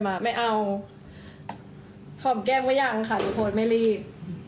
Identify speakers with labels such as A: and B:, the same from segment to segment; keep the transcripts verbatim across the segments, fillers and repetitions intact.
A: มาไม่เอาหอมแก้มก็ยังค่ะทุกคนไม่รีบ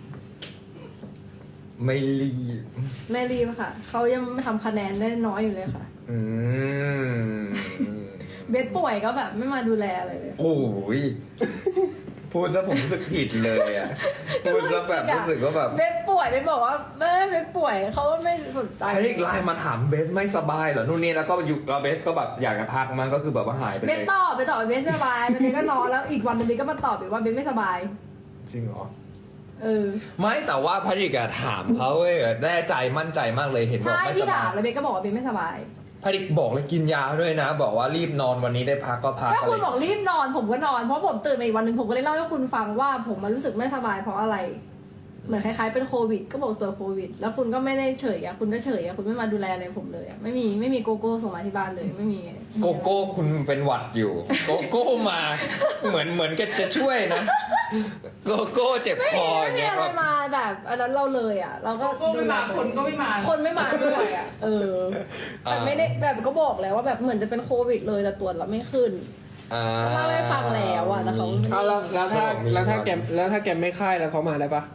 B: ไม่รีบ
A: ไม่รีบค่ะเขายังทำคะแนนได้น้อยอยู่เลยค่ะ
B: อืม
A: เบสป่วยก็แบบไม่มาดูแลอะไรเลย
B: โอ้ยพูดซะผมรู้สึกผิดเลยอ่ะพูดซะแบบรู้สึกว่าแบบ
A: เบสป่วยเบสบอกว่าแม่เบสป่วยเขาไม่สนใจ
B: ไอ้นี่ไลน์มาถามเบสไม่สบายเหรอนู่นนี่แล้วก็อยู่กับเบสก็แบบอยากจะพักมันก็คือแบบว่าหายไป
A: เบ
B: เล
A: ส
B: ย
A: ตอบเบสตอบเบสสบายตอนนี้ก็นอนแล้วอีกวันหนึงเบสก็มาตอบอีกว่าเบสไม่สบาย
B: จริงเหรอ
A: เออ
B: ไม่แต่ว่าพริกอะถามเขาเว้ยแน่ใจมั่นใจมากเลยเห็นบอก
A: ใช่
B: ไม่
A: ที่
B: สบา
A: ถาย มแล้วเบสก็บอกว่าเบสไม่สบาย
B: พริกบอกเลยกินยาด้วยนะ บอกว่ารีบนอนวันนี้ได้พักก็พัก
A: ก็
B: อะ
A: คุณ
B: ไร
A: บอกรีบนอนผมก็นอนเพราะผมตื่นมาอีกวันหนึ่งผมก็เลยเล่าให้คุณฟังว่าผมมารู้สึกไม่สบายเพราะอะไร เหมือนคล้ายๆเป็นโควิด ก็บอกตัวโควิด แล้วคุณก็ไม่ได้เฉยอะคุณก็เฉยอะคุณไม่มาดูแลอะไรผมเลยอะไม่มีไม่มีโกโก้ส่งมาที่บ้านเลยไม่มี
B: โกโก้คุณเป็นหวัดอยู่ โกโก้มา เหมือนเหมือนกันจะช่วยนะ โกโก้เจ็บ
A: ไม่
B: ค
A: มี
B: ออ
A: ไม่
B: ย่าง
A: มี
B: เงี้ย
A: อะไรมาแบบอันนั้นเราเลยอะเราก็
C: โกโก้ไม่มาคนก็ไม่มา
A: คนไม่มาด้วยอะเออแต่ไม่ได้แบบก็บอกแล้วว่าแบบเหมือนจะเป็นโควิดเลยแต่ตรวจแล้วไม่ขึ้น
B: อ่า
A: เล่าให้ฟังแล้วอะแต่เขา
D: เอาแล้วแล้วถ้า
B: มี
D: แล้วถ้า
B: ความ
D: แกมแล้วถ้าแกมไม่ไข้แล้วเขามาได้ปะ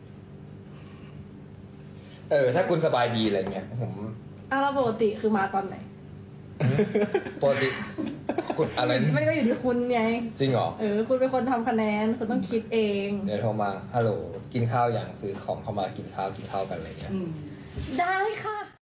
B: เออถ้าคุณสบายดีอะไรเงี้ยผม
A: อ่ะแล้วปกติคือมาตอนไหน
B: ปกติคุณอะไรนะ
A: มันก็อยู่ที่คุณไง
B: จริงเหรอ
A: เออ คุณเป็นคนทำคะแนน คุณต้องคิดเอง
B: เดี๋ยวโทรมาฮัลโหลกินข้าวอย่างซื้อของเข้ามากินข้าวกินข้าวกันอะไรเงี้ย
C: อืม
A: ได้ค่ะ